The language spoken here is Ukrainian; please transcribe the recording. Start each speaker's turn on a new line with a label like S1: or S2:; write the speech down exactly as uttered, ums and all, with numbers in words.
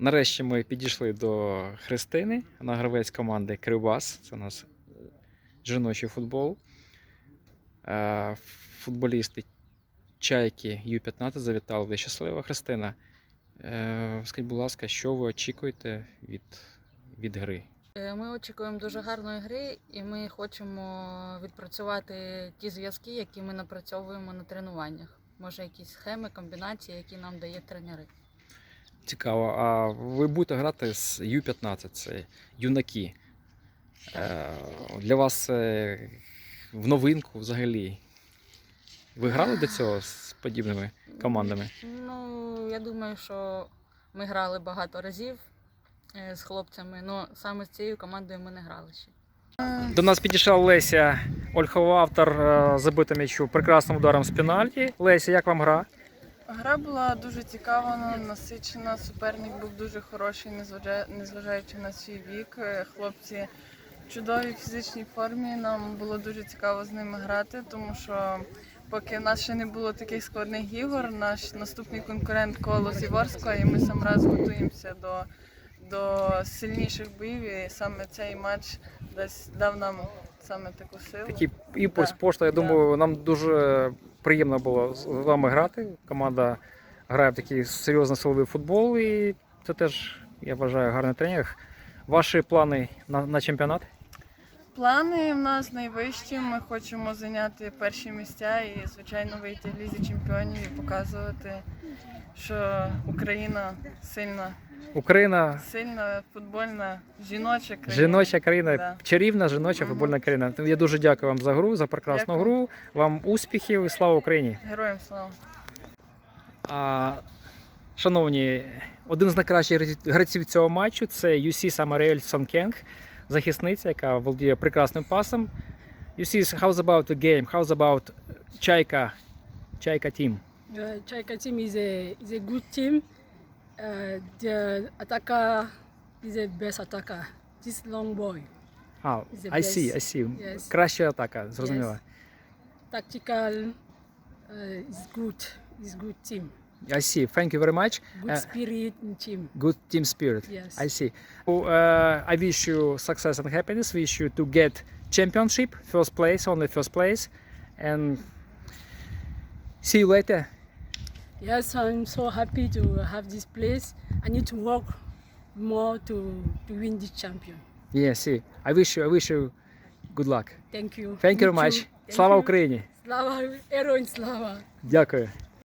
S1: Нарешті ми підійшли до Христини, вона гравець команди Кривбас. Це у нас жіночий футбол. Е, Футболісти Чайки Ю п'ятнадцять завітали. Ви щаслива, Христина. Е, Скажіть, будь ласка, що ви очікуєте від, від гри?
S2: Ми очікуємо дуже гарної гри, і ми хочемо відпрацювати ті зв'язки, які ми напрацьовуємо на тренуваннях. Може, якісь схеми, комбінації, які нам дають тренери.
S1: Цікаво. А ви будете грати з Ю п'ятнадцять, це юнаки. Е, Для вас це в новинку взагалі. Ви грали до цього з подібними командами?
S2: Ну, я думаю, що ми грали багато разів з хлопцями, але саме з цією командою ми не грали ще.
S1: До нас підійшла Леся Ольхова, автор забитого м'ячу прекрасним ударом з пенальті. Леся, як вам гра?
S3: Гра була дуже цікава, насичена, суперник був дуже хороший, незважаючи на свій вік. Хлопці в чудовій фізичній формі, нам було дуже цікаво з ними грати, тому що поки в нас ще не було таких складних ігор, наш наступний конкурент Колос і Ворскла, і ми сам раз готуємося до, до сильніших боїв, і саме цей матч десь дав нам саме таку силу.
S1: Такий імпульс,
S3: Да.
S1: пошта. Я
S3: Да.
S1: думаю, нам дуже приємно було з вами грати. Команда грає в такий серйозний силовий футбол, і це теж, я вважаю, гарний тренінг. Ваші плани на, на чемпіонат?
S3: Плани в нас найвищі, ми хочемо зайняти перші місця і, звичайно, вийти в Лізі чемпіонів і показувати, що Україна сильна,
S1: Україна
S3: сильна футбольна жіноча країна.
S1: жіноча країна,
S3: Да.
S1: чарівна жіноча
S3: Мгм.
S1: футбольна країна. Я дуже дякую вам за гру, за прекрасну
S3: Дякую.
S1: гру. Вам успіхів і слава Україні!
S3: Героям слава!
S1: А, шановні, один з найкращих гравців цього матчу – це Юсі Самарель Сонкенг, захисниця, яка володіє прекрасним пасом. Юсі, how's about the game? How's about Чайка, Чайка team?
S4: Uh, Chaika team is a is a good team. Uh, the attacker is a best attacker. This long boy.
S1: А,
S4: Is the
S1: I see, I
S4: best.
S1: see.
S4: Yes.
S1: Краща атака, зрозуміло.
S4: Yes. Tactical uh, is good. Is good team.
S1: I see. Thank you very much.
S4: Good
S1: Uh,
S4: spirit in team.
S1: Good team spirit.
S4: Yes.
S1: I see. So, uh, I wish you success and happiness. Wish you to get championship, first place, only first place, and see you later.
S4: Yes, I'm so happy to have this place. I need to work more to to win this champion.
S1: Yeah, see. I wish you, I wish you good luck.
S4: Thank you.
S1: Thank you
S4: Me
S1: very much.
S4: too. Thank
S1: Слава
S4: you.
S1: Україні.
S4: Слава, героям слава.
S1: Дякую.